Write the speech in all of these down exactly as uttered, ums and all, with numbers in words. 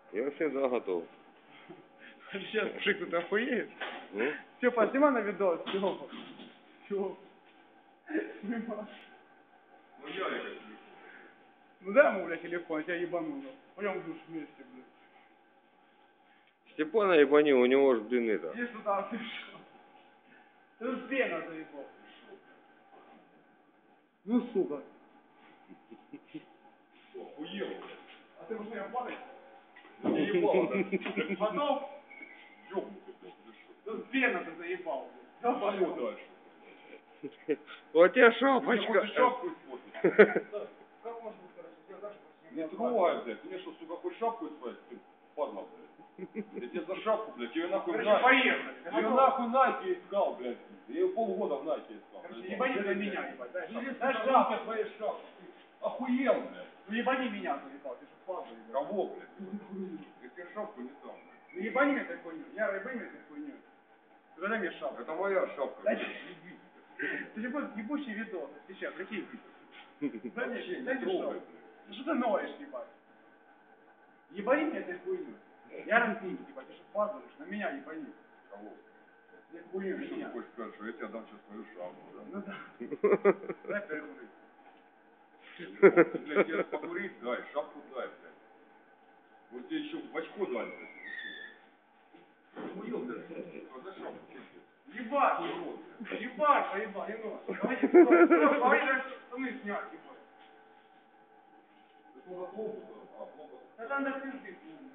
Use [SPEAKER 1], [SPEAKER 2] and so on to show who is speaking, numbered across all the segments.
[SPEAKER 1] Я всегда готов.
[SPEAKER 2] Сейчас пшик тут охуеет.
[SPEAKER 1] Ну?
[SPEAKER 2] Степа, снимай на видос, Степа. Степа. Снимай.
[SPEAKER 3] Ну я как телефон.
[SPEAKER 2] Ну дай ему, блядь, телефон, я тебя ебану. Пойдем в душ вместе, блядь.
[SPEAKER 1] Степана ебани, у него ж, блин, это.
[SPEAKER 2] Иди сюда, ты что? Ты тут пена заебал. Ну, сука.
[SPEAKER 3] Охуел, блядь.
[SPEAKER 2] А ты уже меня падаешь?
[SPEAKER 3] Не ебал, да?
[SPEAKER 2] Потом?
[SPEAKER 3] Ёбнутый, блядь, ты что?
[SPEAKER 2] Тут пена ты заебал, блядь. Давай,
[SPEAKER 3] Что дальше?
[SPEAKER 1] Вот тебе
[SPEAKER 3] Ты мне
[SPEAKER 1] шапочка.
[SPEAKER 3] хочешь шапку испортить?
[SPEAKER 2] Как можно быть хорошо? Я дальше
[SPEAKER 3] Не трогай, блядь. Ты мне что, сука, хочешь шапку испортить? Ты падла, блядь. Я тебе за шапку, блядь. Тебе нахуй в
[SPEAKER 2] Короче,
[SPEAKER 3] Найке.
[SPEAKER 2] поехали.
[SPEAKER 3] Я ее нахуй в Найке искал, блядь. Я ее полгода в Найке искал.
[SPEAKER 2] Короче, ебани на меня, ебать. Дай шапку.
[SPEAKER 3] Дай
[SPEAKER 2] Дай
[SPEAKER 3] шапку
[SPEAKER 2] шапку.
[SPEAKER 3] твоей шапки. Охуел, блядь.
[SPEAKER 2] Ну ебани меня, заебал. Ты что, падла, ебать.
[SPEAKER 3] Кого, блядь? Я тебе шапку не дам, блядь.
[SPEAKER 2] Ну ебани мне этой хуйню. Я рыбами этой хуйню. Ты дай мне шапку.
[SPEAKER 3] Это моя шапка.
[SPEAKER 2] Дай
[SPEAKER 3] блядь.
[SPEAKER 2] мне. Ты же будет ебучий видос. Сейчас, какие видео? Дай мне,
[SPEAKER 3] Вообще не
[SPEAKER 2] дай мне
[SPEAKER 3] трогай,
[SPEAKER 2] шапку.
[SPEAKER 3] блядь.
[SPEAKER 2] Ну что ты ноешь, ебать? Ебани мне этой хуйню. Я разбил, ебать. Ты что, падаешь? На меня ебани.
[SPEAKER 3] Кого?
[SPEAKER 2] Я хуйню,
[SPEAKER 3] Ты что
[SPEAKER 2] меня.
[SPEAKER 3] ты хочешь сказать, что я тебе дам сейчас свою шапку, да?
[SPEAKER 2] Ну да. Дай перекурить.
[SPEAKER 3] Ты, блядь, тебе покурить дай, шапку дай, блядь. Вот тебе еще в очко дай, блядь. Охуел, блядь, что за шапку, что тебе?
[SPEAKER 2] Ебать!
[SPEAKER 3] Урод, блядь.
[SPEAKER 2] Ебать, поебать, не нож. Давайте, давай же штаны снять, ебать.
[SPEAKER 3] Ты куда плохо, а плохо.
[SPEAKER 2] Это надо пизды.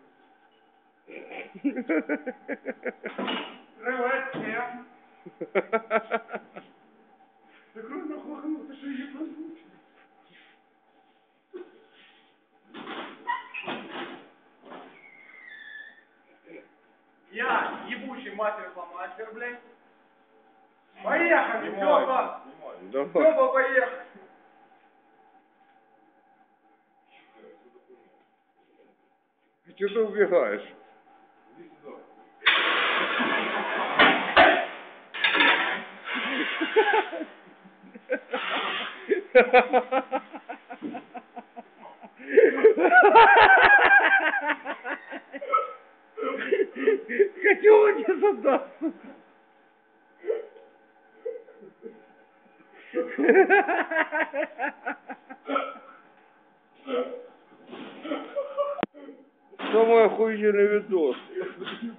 [SPEAKER 2] Привет всем. Ты круто нахуй, ты что, ебанутый? Я ебучий мастер-фломастер, блядь. Поехали, Степа!
[SPEAKER 1] Давай.
[SPEAKER 2] Степа, поехали!
[SPEAKER 1] Че ты убегаешь?
[SPEAKER 3] Иди сюда.
[SPEAKER 1] Хочу он тебе задаться. Самый охуенный видос.